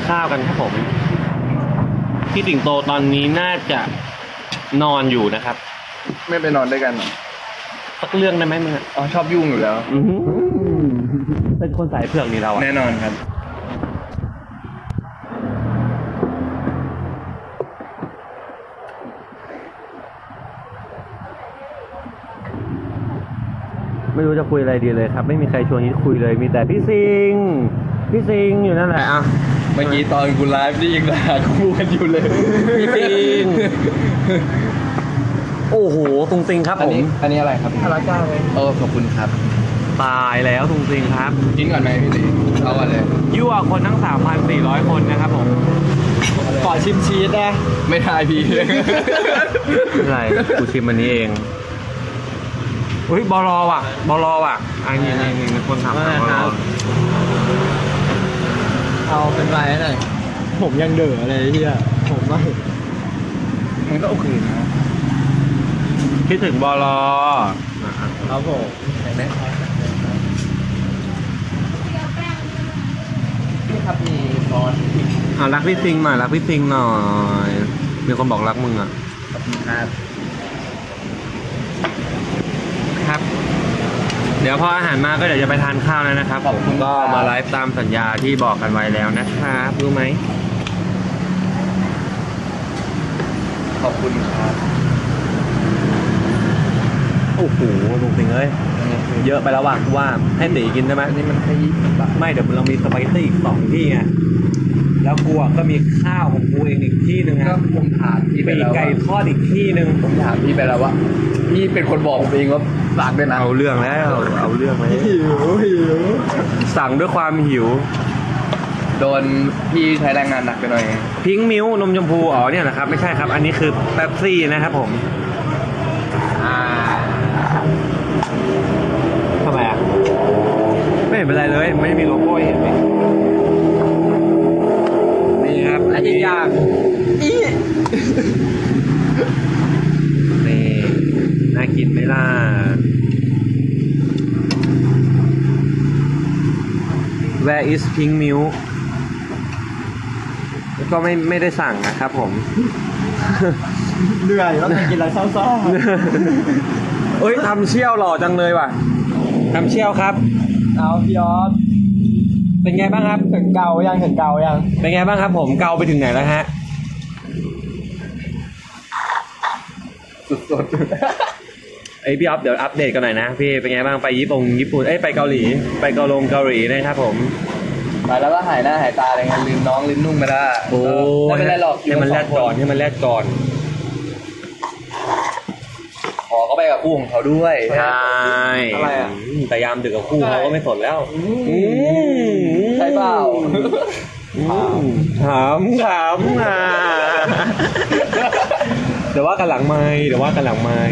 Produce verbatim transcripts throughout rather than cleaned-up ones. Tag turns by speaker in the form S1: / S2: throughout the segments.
S1: ข้าวกันครับผมพี่สิงโตตอนนี้น่าจะนอนอยู่นะครับ
S2: ไม่ไปนอนด้วยกันเหรอ
S1: สักเรื่องได้ไหมมึงอะ
S2: อ๋อชอบยุ่งอยู่แล้ว
S1: อื้อหือเป็นคนสายเผือกนี่เราอะ
S2: แน่นอนครับ
S1: ไม่รู้จะคุยอะไรดีเลยครับ ไม่มีใครชวนที่คุยเลยมีแต่พี่ซิงพี่ซิงอยู่นั่นแหละอ่ะ
S2: เมื่อกี้ตอนกูไลฟ์นี่ยังด่ากูกันอยู่เลย
S1: พี่ซิงโอ้โหตุงซิงครับ
S2: อัน
S1: ผม
S2: นี้อันนี้อะไรครับพาราก้าเลยเออขอบคุณครับ
S1: ตายแล้วตุงซิงครับ
S2: กินก่อนไหมพี่ตีเอาก่อนเลย
S1: ยั่วคนทั้ง สามพันสี่ร้อย คนนะครับผม
S3: ขอชิมชีสนะ
S2: ไม่ทายพี่
S1: ไม่เป็นไรกูชิมอันนี้เองเฮ้ยบอลอว่ะบอลอว่ะอันนี้นี่นี่มีคนถามหาบอลอ
S3: เอาเป็นไรหน่อยผมยังเด๋อเลยที่อ่ะผมว่า
S2: มันก็โอเคนะ
S1: คิดถึงบอลอ
S3: ครับผม
S2: ไหนพี่ครับมีซอสพริก
S1: อ่ะรักพี่ซิงหน่อยรักพี่ซิงหน่อยมีคนบอกรักมึงอ่ะ
S2: ขอบคุณครับ
S1: ครับ เดี๋ยวพออาหารมาก็เดี๋ยวจะไปทานข้าวแล้วนะครับผมก็มาไลฟ์ตามสัญญาที่บอกกันไว้แล้วนะครับรู้ไหม
S2: ขอบคุณครับ
S1: โอ้โหลุงสิงเอ้ยเยอะไปแล้วว่ะกูว่าให้ตีกินได้ไหม
S2: อันนี้มันแค่ยี่สิบบาท
S1: ไม่เดี๋ยวเรามีสปาเกตตี้อีกสองที่ไงแล้วกูอ่ะก็มีข้าวของกูเองอีกที่หนึ่ง
S2: ก็
S1: นะ
S2: ผมถามพี่ไป
S1: มี
S2: แล้ว
S1: ไก่
S2: ว่า
S1: ทอดอีกที่หนึ่ง
S2: ผมถามพี่ไปแล้วว่าพี่เป็นคนบอกผมเองว่าฝากด้วยนะ
S1: เอาเรื่องแล้วเอาเรื่องไหม
S3: หิวหิว
S1: สั่งด้วยความหิว
S2: โดนพี่ใช้แรงงานหนักไปหน่อย
S1: พิงค์มิ้วนมชมพูอ๋อเนี่ยนะครับไม่ใช่ครับ อันนี้คือเป๊ปซี่นะครับผม
S2: อ่า
S1: ทำไมอ่ะไม่เห็นเป็นไรเลยไม่ได้มีโลโก้ให้เห็นเลยนี่ครับอันนี้ย่างนี่น่ากินไหมล่ะ Where is pink milk ก็ไม่ไม่ได้สั่งนะครับผม
S3: เหนื่อยแล้วกินอะไรเศร้า
S1: เอ้ยทำเชี่ยวหล่อจังเลยว่ะทำเชี่ยวครับ
S3: ๆเอาพี่ออส
S1: เป็นไงบ้างครับ
S3: ถึงเกายังถึงเกายัง
S1: เป็นไงบ้างครับผมเกาไปถึงไหนแล้วฮะ
S2: สุด
S1: ไอยพี่ออฟเดี๋ยวอัปเดตกันหน่อยนะพี่เป็นไงบ้างไปญี่ปุ่นญี่ปุ่นเอ้ยไปเกาหลีไปเกาลงเกาหลีนะครับผม
S2: ๆมาแล้วก็หายหน้าหายตาอะไรเงี้ยลืมน้องลืมนุ่งไปแล้ว
S1: โอ้
S2: ไม่เป็นไรหรอก
S1: ให้มันแลดก่อนให้มันแลดก่อน
S2: ขอเขาไปกับคู่ของเขาด้วย
S1: ใช่
S3: อะไรอ่ะ
S1: มแต่ยามดึกกับคู่เขาก็ไม่สนแล้วอืม
S2: ใช่เปล่า
S1: อืมถามถามอ่ะเดี๋ยวว่ากันหลังไม่เดี๋ยวว่ากันหลังไม่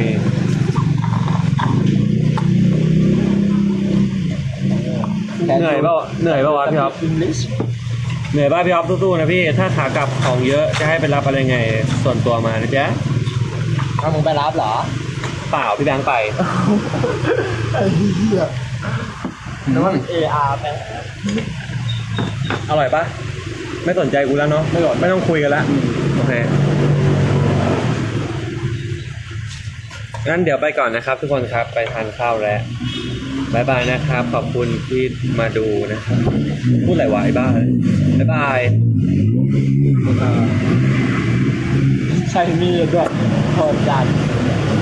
S1: เหนื่อยเปล่าเหนื่อยเปล่าวะพี่อ๊อฟเหนื่อยป่ะพี่อ๊อฟสู้ๆนะพี่ถ้าขากลับของเยอะจะให้ไปรับอะไรไงส่วนตัวมานะจ๊ะ
S3: เอามึงไปรับเหรอ
S1: เปล่าพี่แบงค์ไป
S3: ไอ้เหี้ย
S2: แล้วมัน
S3: เออาร์แม่
S1: อร่อยปะไม่สนใจกูแล้วเนาะไม่ไม่ต้องคุยกันละโอเคงั้นเดี๋ยวไปก่อนนะครับ ทุกคนครับไปทานข้าวแล้วบายบายนะครับขอบคุณที่มาดูนะครับพูดอะไรวะไอ้บ้าบายบาย
S3: ใช้มีดด้วยโหดจัด